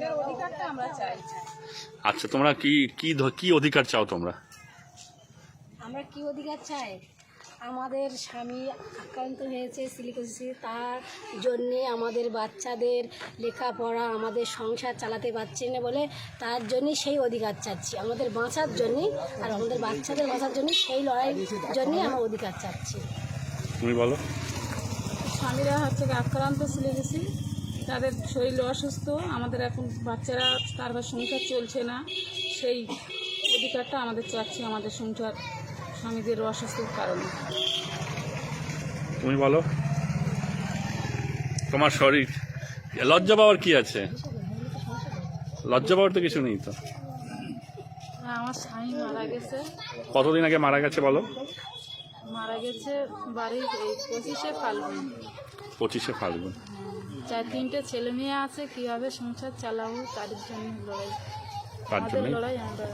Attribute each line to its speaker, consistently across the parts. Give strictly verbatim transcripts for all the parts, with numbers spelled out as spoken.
Speaker 1: আমাদের অধিকারটা আমরা চাই।
Speaker 2: আচ্ছা, তোমরা কি কি কি অধিকার চাও তোমরা?
Speaker 3: আমরা কি অধিকার চাই? আমাদের স্বামী আক্রান্ত হয়েছে সিলিকোসিসে, তার জন্যে আমাদের বাচ্চাদের লেখাপড়া, আমাদের সংসার চালাতে পারছি না বলে তার জন্যই সেই অধিকার চাচ্ছি, আমাদের বাঁচার জন্যই, আর আমাদের বাচ্চাদের বাঁচার জন্য সেই লড়াইয়ের জন্যই আমরা অধিকার চাচ্ছি।
Speaker 2: তুমি বলো।
Speaker 1: স্বামীরা হচ্ছে আক্রান্ত সিলিকোসিস, তাদের শরীর অসুস্থ, আমাদের এখন বাচ্চারা তারপর সংসার চলছে না, সেই অধিকারটা আমাদের চাচ্ছি আমাদের সংসার স্বামীদের অসুস্থতার কারণে।
Speaker 2: তুমি বলো। তোমার শরীর লজ্জা পাওয়ার কি আছে? লজ্জা পাওয়ার তো কিছু নেই তো।
Speaker 1: আমার স্বামী মারা গেছে।
Speaker 2: কতদিন আগে মারা গেছে বলো?
Speaker 1: মারা গেছে বাড়ির এই পঁচিশে ফাল্গুন।
Speaker 2: পঁচিশে ফাল্গুন।
Speaker 1: চার তিনটে ছেলে মেয়ে আছে, কীভাবে সংসার চালাবো তার জন্য লড়াই,
Speaker 2: তার
Speaker 1: আমাদের
Speaker 2: জন্য
Speaker 1: লড়াই আমরা।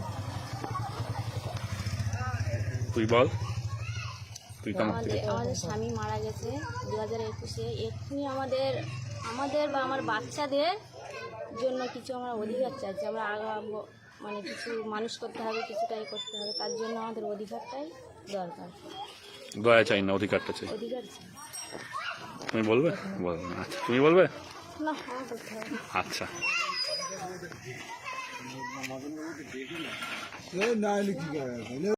Speaker 2: তুই বল। তুই কেমন?
Speaker 3: আমাদের আমাদের স্বামী মারা গেছে দু হাজার একুশে। এক্ষুনি আমাদের আমাদের বা আমার বাচ্চাদের জন্য কিছু আমরা অধিকার চাইছি। আমরা আগামো মানে কিছু মানুষ করতে হবে, কিছুটাই করতে হবে, তার জন্য আমাদের অধিকারটাই দরকার।
Speaker 2: দয়া চাই না, অধিকারটা চাই।
Speaker 3: অধিকার চাই।
Speaker 2: তুমি বলবে? বলবে। আচ্ছা, তুমি বলবে?
Speaker 3: না, আমার করতে হবে।
Speaker 2: আচ্ছা।
Speaker 4: না